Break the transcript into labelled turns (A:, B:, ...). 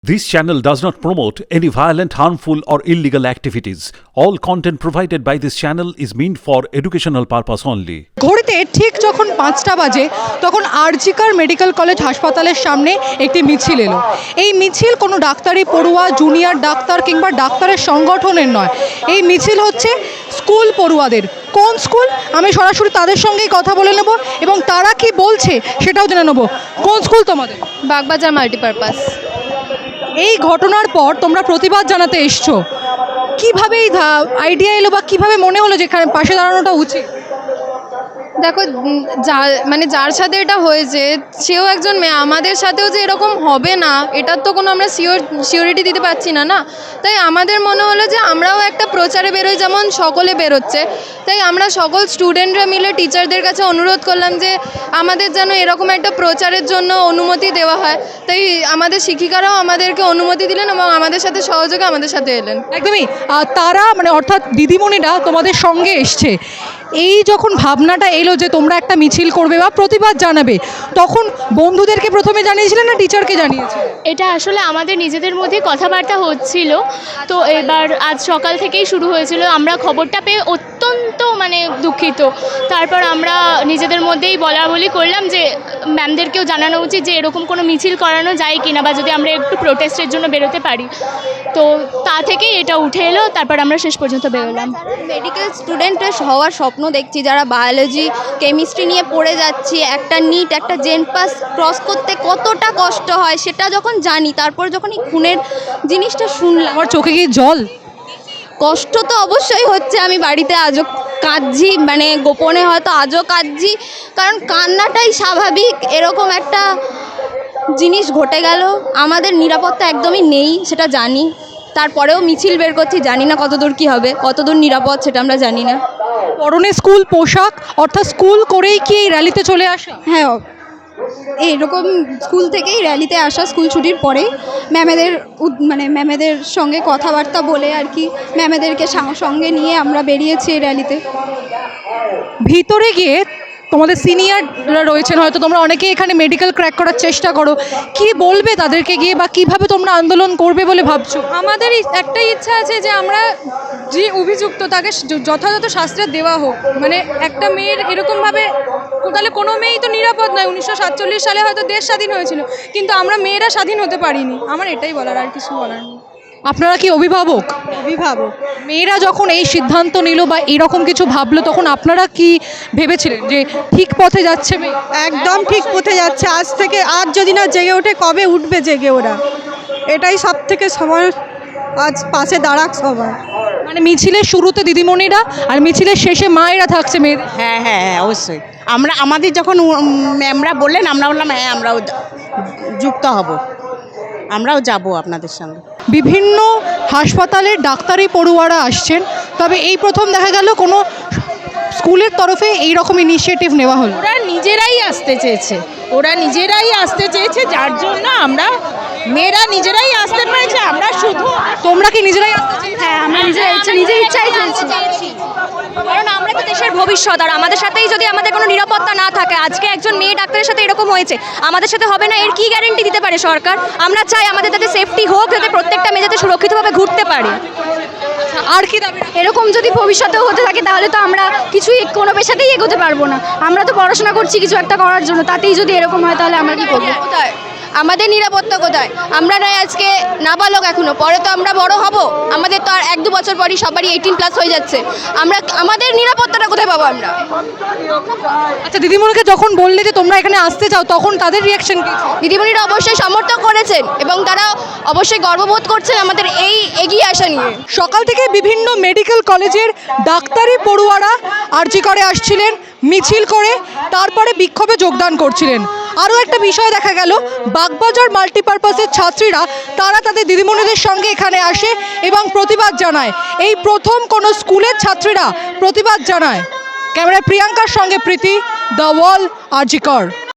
A: This channel does not promote any violent, harmful, or illegal activities. All content provided by this channel is meant for educational purpose only.
B: ঘড়িতে ঠিক যখন ৫টা বাজে তখন RG Kar medical college হাসপাতালের সামনে একটি মিছিল এলো। এই মিছিল কোনো ডাক্তারি পড়ুয়া, জুনিয়র ডাক্তার কিংবা ডাক্তারের সংগঠনের নয়। এই মিছিল হচ্ছে স্কুল পড়ুয়াদের। কোন স্কুল? আমি সরাসরি তাদের সঙ্গেই কথা বলে নেব এবং তারা কি বলছে সেটাও জেনে নেব। কোন স্কুল তোমাদের?
C: বাগবাজার মাল্টিপারপাস।
B: এই ঘটনার পর তোমরা প্রতিবাদ জানাতে এসছো, কিভাবে এই আইডিয়া এলো বা কিভাবে মনে হলো যে এখানে পাশে দাঁড়ানোটা উচিত?
C: দেখো, যার সাথে এটা হয়েছে সেও একজন মেয়ে, আমাদের সাথেও যে এরকম হবে না এটার তো কোনো আমরা সিওরিটি দিতে পারছি না না। তাই আমাদের মনে হলো যে আমরাও একটা প্রচারে বেরোই, যেমন সকলে বেরোচ্ছে। তাই আমরা সকল স্টুডেন্টরা মিলে টিচারদের কাছে অনুরোধ করলাম যে আমাদের যেন এরকম একটা প্রচারের জন্য অনুমতি দেওয়া হয়। তাই আমাদের শিক্ষিকারাও আমাদেরকে অনুমতি দিলেন এবং আমাদের সাথে সহযোগে আমাদের সাথে এলেন।
B: একদমই তারা অর্থাৎ দিদিমণিরা তোমাদের সঙ্গে এসছে। এই যখন ভাবনাটা এলো যে তোমরা একটা মিছিল করবে বা প্রতিবাদ জানাবে, তখন বন্ধুদেরকে প্রথমে জানিয়েছিলেন না টিচারকে জানিয়েছিলেন?
D: এটা আসলে আমাদের নিজেদের মধ্যে কথাবার্তা হচ্ছিল। তো এবার আজ সকাল থেকেই শুরু হয়েছিল। আমরা খবরটা পেয়ে অত্যন্ত দুঃখিত। তারপর আমরা নিজেদের মধ্যেই বলাবলি করলাম যে ম্যামদেরকেও জানানো উচিত যে এরকম কোনো মিছিল করানো যায় কিনা, বা যদি আমরা একটু প্রোটেস্টের জন্য বেরোতে পারি। তো তা থেকেই এটা উঠে এলো। তারপর আমরা শেষ পর্যন্ত বেরোলাম।
E: মেডিকেল স্টুডেন্টের হওয়ার স্বপ্ন দেখছি, যারা বায়োলজি কেমিস্ট্রি নিয়ে পড়ে যাচ্ছি, একটা নিট একটা জেন পাস ক্রস করতে কতটা কষ্ট হয় সেটা যখন জানি, তারপর যখন এই খুনের জিনিসটা শুনলাম
B: আমার চোখে কি জল?
E: কষ্ট তো অবশ্যই হচ্ছে। আমি বাড়িতে আজও কাঁদছি, গোপনে হয়তো আজও কাঁদছি, কারণ কান্নাটাই স্বাভাবিক। এরকম একটা জিনিস ঘটে গেল, আমাদের নিরাপত্তা একদমই নেই সেটা জানি, তারপরেও মিছিল বের করছি। জানি না কতদূর কী হবে, কতদূর নিরাপদ সেটা আমরা জানি না।
B: পরনে স্কুল পোশাক, অর্থাৎ স্কুল করেই কি এই র্যালিতে চলে আসা?
F: হ্যাঁ, এইরকম স্কুল থেকেই র্যালিতে আসা, স্কুল ছুটির পরেই ম্যামেদের সঙ্গে কথাবার্তা বলে আর কি, ম্যামেদেরকে সঙ্গে নিয়ে আমরা বেরিয়েছি এই র্যালিতে।
B: ভিতরে গিয়ে তোমাদের সিনিয়ররা রয়েছেন, হয়তো তোমরা অনেকেই এখানে মেডিকেল ক্র্যাক করার চেষ্টা করো, কি বলবে তাদেরকে গিয়ে বা কিভাবে তোমরা আন্দোলন করবে বলে ভাবছো?
F: আমাদের একটাই ইচ্ছা আছে যে আমরা যে অভিযুক্ত তাকে যথাযথ শাস্তি দেওয়া হোক। একটা মেয়ের এরকমভাবে, তাহলে কোনো মেয়েই তো নিরাপদ নয়। 1947 সালে হয়তো দেশ স্বাধীন হয়েছিল, কিন্তু আমরা মেয়েরা স্বাধীন হতে পারিনি। আমার এটাই বলার, আর কিছু বলার নেই।
B: আপনারা কি অভিভাবক? মেয়েরা যখন এই সিদ্ধান্ত নিল বা এরকম কিছু ভাবলো, তখন আপনারা কি ভেবেছিলেন যে ঠিক পথে যাচ্ছে মেয়ে?
G: একদম ঠিক পথে যাচ্ছে। আজ যদি না জেগে ওঠে, কবে উঠবে জেগে ওরা? এটাই সব থেকে সবার আজ পাশে দাঁড়াক সবাই।
B: মিছিলের শুরুতে দিদিমণিরা আর মিছিলের শেষে মায়েরা থাকছে মেয়েদের।
H: হ্যাঁ হ্যাঁ হ্যাঁ, অবশ্যই। আমাদের যখন ম্যামরা বললেন, আমরা বললাম হ্যাঁ আমরাও যুক্ত হব, আমরাও যাব আপনাদের সঙ্গে।
B: বিভিন্ন হাসপাতালের ডাক্তারি পড়ুয়ারা আসছেন, তবে এই প্রথম দেখা গেল কোনো স্কুলের তরফে এই রকম ইনিশিয়েটিভ নেওয়া হলো।
H: ওরা নিজেরাই আসতে চেয়েছে, যার জন্য আমরা মেয়েরা নিজেরাই আসতে পেরেছে। আমরা শুধু,
B: তোমরা কি নিজেরাই আসতে চেয়েছো?
E: হ্যাঁ, আমরা নিজের ইচ্ছাই চেয়েছি, কারণ আমরা তো দেশের ভবিষ্যৎ। আর আমাদের সাথেই যদি আমাদের কোনো নিরাপত্তা না থাকে, আজকে একজন মেয়ে ডাক্তারের সাথে এরকম হয়েছে, আমাদের সাথে হবে না, এর কি গ্যারেন্টি দিতে পারে সরকার? আমরা চাই আমাদের যাতে সেফটি হোক, যাতে প্রত্যেকটা মেয়ে যাতে সুরক্ষিতভাবে ঘুরতে পারে।
B: আর কি দাবি?
E: এরকম যদি ভবিষ্যতেও হতে থাকে তাহলে তো আমরা কোনো পেশাতেই এগোতে পারবো না। আমরা তো পড়াশোনা করছি কিছু একটা করার জন্য, তাতেই যদি এরকম হয় তাহলে আমরা কি করবো? কোথায় আমাদের নিরাপত্তা? কোথায়? আমরা নয় আজকে নাবালক এখনো, পরে তো আমরা বড় হব। আমাদের তো আর 1-2 বছর পরই সবারই 18+ হয়ে যাচ্ছে। আমাদের নিরাপত্তাটা কোথায় পাবো আমরা?
B: আচ্ছা, দিদিমণিকে যখন বললে যে তোমরা এখানে আসতে চাও, তখন তাদের রিয়াকশন কি?
E: দিদিমণিরা অবশ্যই সমর্থন করেছেন এবং তারা অবশ্যই গর্ববোধ করছেন আমাদের এই এগিয়ে আসা নিয়ে।
B: সকাল থেকে বিভিন্ন মেডিকেল কলেজের ডাক্তারি পড়ুয়ারা আরজিকরে আসছিলেন মিছিল করে, তারপরে বিক্ষোভে যোগদান করছিলেন। আরও একটা বিষয় দেখা গেল, বাগবাজার মাল্টিপারপাসের ছাত্রীরা তারা তাদের দিদিমণিদের সঙ্গে এখানে আসে এবং প্রতিবাদ জানায়। এই প্রথম কোনো স্কুলের ছাত্রীরা প্রতিবাদ জানায়। ক্যামেরায় প্রিয়াঙ্কার সঙ্গে প্রীতি, দ্য ওয়াল, আরজিকর।